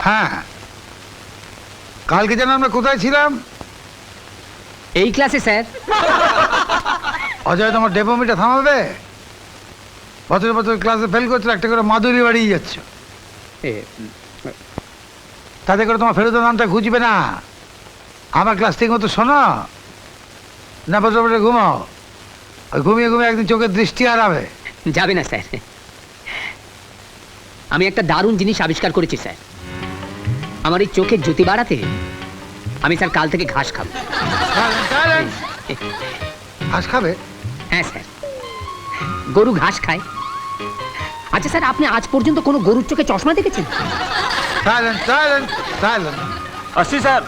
হ্যাঁ, কালকে যেন আমরা কোথায় ছিলাম? এই ক্লাসে স্যার। অজয়, তোমার ডেপোমিটা থামাবে? বছর বছর ক্লাসে ফেল করছো, একটা করে মাদুরি বাড়িয়ে যাচ্ছ। তাতে করে তোমার ফেরত নামটা খুঁজবে না। আমার ক্লাস ঠিক মতো শোনো না, বছর বছর ঘুমাও। ওই ঘুমিয়ে ঘুমিয়ে একদিন চোখের দৃষ্টি হারাবে। যাবে না স্যার, আমি একটা দারুণ জিনিস আবিষ্কার করেছি স্যার। আমার এই চোখের জ্যোতি বাড়াতে আমি স্যার কাল থেকে ঘাস খাবো। ঘাস খাবে? হ্যাঁ স্যার, গরু ঘাস খায়। আচ্ছা স্যার, আপনি আজ পর্যন্ত কোনো গরুর চোখে চশমা দেখেছেন? আসছি স্যার।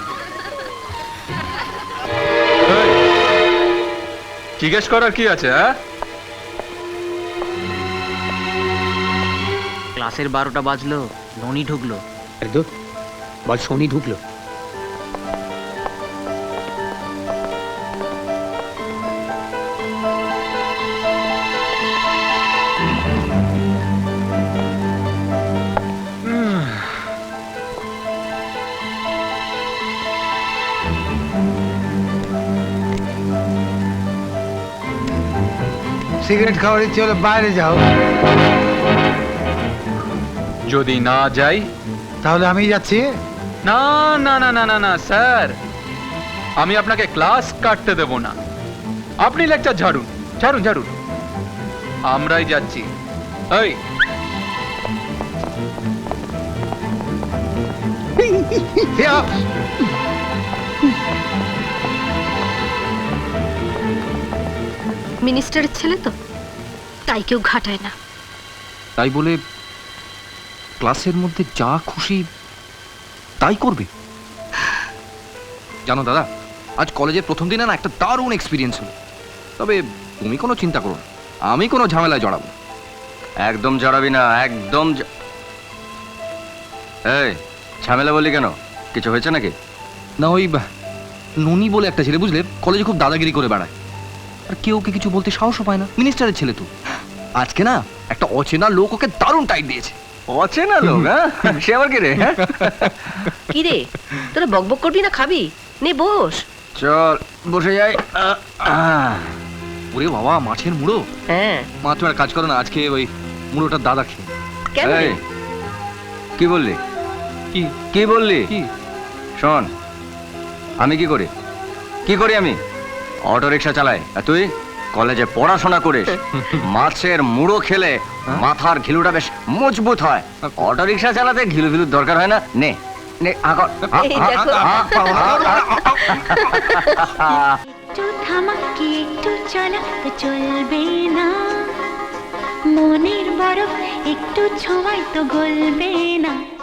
জিজ্ঞেস করার কি আছে? হ্যাঁ, ক্লাসের 12টা বাজলো, ননি ঢুকলো। আরে ধুর, বল শনি ঢুকলো। সিগারেট খাওয়ার ইচ্ছে হলে বাইরে যাও। যদি না যাই? তাহলে আমি যাচ্ছি। না না না না না না স্যার, আমি আপনাকে ক্লাস কাটতে দেব না। আপনি লেকচার ঝাড়ুন ঝাড়ুন ঝাড়ুন, আমরাই যাচ্ছি। এই, মিনিস্টারের ছেলে তো, তাই কেউ ঘাটায় না। তাই বলে ক্লাসের মধ্যে যা খুশি তাই করবে? জানো দাদা, আজ কলেজের প্রথম দিনে না একটা দারুণ এক্সপিরিয়েন্স হলো। তবে তুমি কোনো চিন্তা করো না, আমি কোনো ঝামেলায় জড়াবো। একদম জড়াবি না, একদম। এই, ঝামেলা বললি কেন? কিছু হয়েছে নাকি? না, ওই ননি বলে একটা ছেলে, বুঝলে, কলেজে খুব দাদাগিরি করে বেড়ায়। আর কেউ ওকে কিছু বলতে সাহসও পায় না। মিনিস্টারের ছেলে তো। আজকে না একটা অচেনা লোক ওকে দারুণ টাইট দিয়েছে। অচেনা লোক? হ্যাঁ, সে আবার কি রে? কি রে, তোরা বকবক করবি না খাবি? নে বস। চল বসে যাই। ওরে বাবা, মাছের মুড়ো! হ্যাঁ, মা, তুমি একটা কাজ করো না, আজকে ওই মুড়োটার দাদা খেয়ে। কেন রে? এই, কি বললি? কি কি বললি? কি? শোন, আমি কি করি? কি করি আমি? অটো রিক্সা চালাই। আর তুই কলেজে পড়াশোনা করিস। মাছের মুড়ো খেলে মাথার ঘিলুটা বেশ মজবুত হয়। অটো রিক্সা চালাতে ঘিলু ঘিলুর দরকার হয় না। নে নে, এই দেখো। একটু থামাকি একটু চলা তো চলবে না, মনের বরফ একটু ছোঁয়াই তো গলবে না।